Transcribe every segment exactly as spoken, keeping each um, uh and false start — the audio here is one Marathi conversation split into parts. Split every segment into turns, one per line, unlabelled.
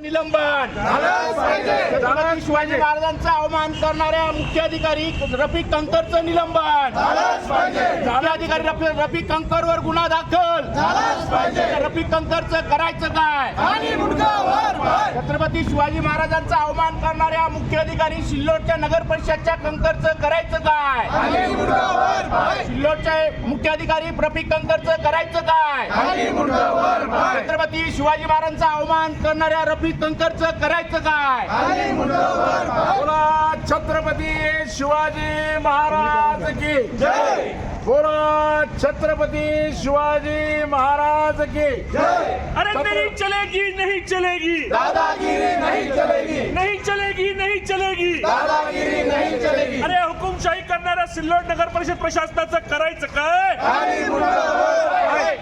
निलंबन झालंच पाहिजे। छत्रपती शिवाजी महाराजांचा अवमान करणाऱ्या मुख्याधिकारी रफिक कंकरचं निलंबन झालंच पाहिजे। जिल्हाधिकारी रफिक रफिक कंकरवर गुन्हा दाखल झालाच पाहिजे। रफिक कंकरचं करायचं काय? आणि मुंडकावर पाय। छत्रपती शिवाजी महाराजांचा अवमान करणाऱ्या मुख्याधिकारी सिल्लोडच्या नगर परिषदच्या कंकरचं करायचं काय? आणि मुंडकावर पाय। सिल्लोडचे मुख्याधिकारी रफिक कंकरचं करायचं काय? आणि मुंडकावर पाय। छत्रपती शिवाजी महाराजांचा अवमान करणाऱ्या रफिक कंकरचं करायचं काय? आणि मुंडकावर पाय। बोला छत्रपती शिवाजी महाराज की जय। बोला छत्रपती शिवाजी महाराज की जय।
अरे नहीं चलेगी नहीं चलेगी
दादागिरी नहीं चलेगी।
नहीं चलेगी नहीं चलेगी
दादागिरी नहीं चलेगी।
अरे हुकुमशाही करणाऱ्या सिल्लोड नगर परिषद प्रशासनाचं करायचं काय?
आणि मुंडकावर पाय।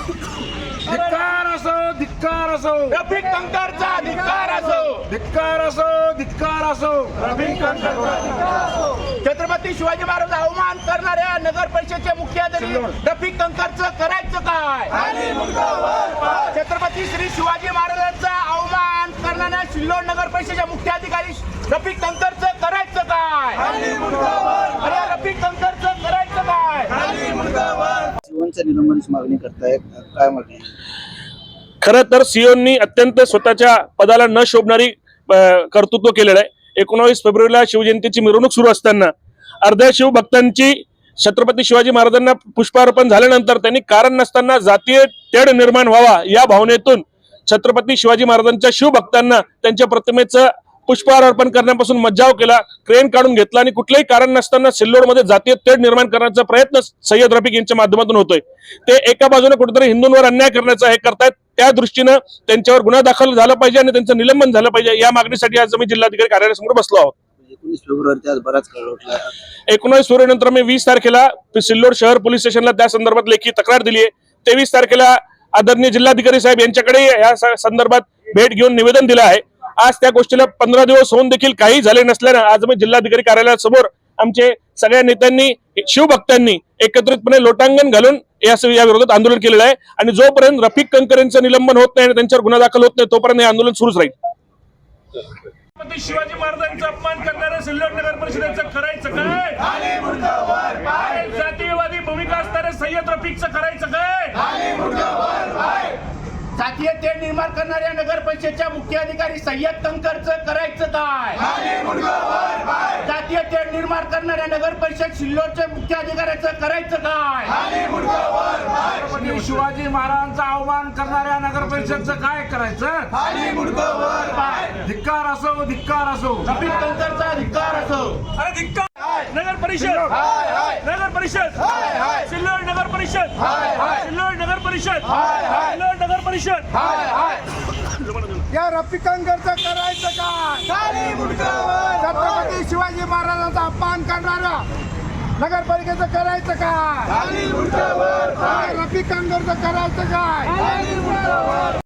धिक्कार असो धिक्कार असो
रफिक कंकरचा धिक्कार असो।
धिक्कार असो धिक्कार असो
रफिक कंकरचा धिक्कार असो। छत्रपती शिवाजी महाराज अवमान करणाऱ्या नगर परिषदेचे मुख्याधिकारी रफिक कंकरचं करायचं काय? आणि मुंडकावर पाय। छत्रपती श्री शिवाजी महाराजांचा अवमान करणाऱ्या सिल्लोड नगर परिषदेच्या मुख्याधिकारी रफिक कंकरचं करायचं काय? आणि मुंडकावर पाय। अरे रफिक कंकरचं करायचं काय? आणि मुंडकावर
शिवनच्या निलंबनाची मागणी करताय, काय मागणी?
खरं तर सीओनी अत्यंत स्वतःच्या पदाला न शोभणारी कर्तृत्व केलेलं आहे। एकोणावीस फेब्रुवारीला शिवजयंतीची मिरवणूक सुरू असताना अर्ध्या शिवभक्तांची छत्रपती शिवाजी महाराजांना पुष्पार्पण झाल्यानंतर त्यांनी कारण नसताना जातीय तेढ निर्माण व्हावा या भावनेतून छत्रपती शिवाजी महाराजांच्या शिवभक्तांना त्यांच्या प्रतिमेचं पुष्पहार अर्पण करण्यापासून मज्जाव केला, क्रेन काढून घेतला आणि कुठलंही कारण नसताना सिल्लोडमध्ये जातीय तेढ निर्माण करण्याचा प्रयत्न सय्यद रफिक यांच्या माध्यमातून होतोय। ते एका बाजूने कुठेतरी हिंदूंवर अन्याय करण्याचा हे करतायत, त्या दृष्टीनं त्यांच्यावर गुन्हा दाखल झाला पाहिजे आणि त्यांचं निलंबन झालं पाहिजे या मागणीसाठी आज आम्ही जिल्हाधिकारी कार्यालयासमोर बसलो आहोत।
एकोणीस फेब्रुवारी आज बराच काळ उठला।
एकोणीस फेब्रुवारीनंतर मी वीस तारखेला सिल्लोड शहर पोलीस स्टेशनला त्या संदर्भात लेखी तक्रार दिली आहे। तेवीस तारखेला आदरणीय जिल्हाधिकारी साहेब यांच्याकडे या संदर्भात भेट घेऊन निवेदन दिलं आहे। आज त्या गोष्टीला पंधरा दिवस होऊन देखील काही झाले नसल्यानं आज आम्ही जिल्हाधिकारी कार्यालयासमोर आमचे सगळ्या नेत्यांनी शिवभक्तांनी एकत्रितपणे लोटांगण घालून या विरोधात आंदोलन केलेलं आहे आणि जोपर्यंत रफिक कंकर यांचं निलंबन होत नाही आणि त्यांच्यावर गुन्हा दाखल होत नाही तोपर्यंत हे आंदोलन सुरूच राहील। छत्रपती शिवाजी महाराजांचा अपमान करणाऱ्या सिल्लोड नगर परिषदेचं करायचं काय?
आणि मुंडकावर पाय।
जातीयवादी भूमिका असणाऱ्या सय्यद रफिकचं करायचं काय?
आणि मुंडकावर पाय। जातीय तेढ निर्माण करणाऱ्या नगर परिषदेच्या मुख्याधिकारी सय्यद कंकरचं करायचं काय? आणि मुंडकावर पाय। जातीय तेढ निर्माण करणाऱ्या नगर परिषद सिल्लोडच्या मुख्याधिकाऱ्याचं करायचं काय? आणि मुंडकावर पाय।
छत्रपती शिवाजी महाराजांचा अवमान करणाऱ्या नगर परिषदचं काय करायचं?
आणि मुंडकावर पाय।
धिक्कार असो धिक्कार असो
रफिक कंकरचा धिक्कार असो।
अरे धिक्कार नगर परिषद
हाय हाय
नगर परिषद
हाय हाय
सिल्लोड नगर परिषद
हाय हाय
सिल्लोड नगर परिषद
हाय हाय
सिल्लोड नगर परिषद
हाय हाय।
या रफिक कंकरचं करायचं काय?
आणि मुंडकावर
छत्रपती शिवाजी महाराजांचा अपमान करणाऱ्या नगरपालिकेचं करायचं काय?
आणि मुंडकावर पाय।
रफिक कंकरचं करायचं काय?
आणि मुंडकावर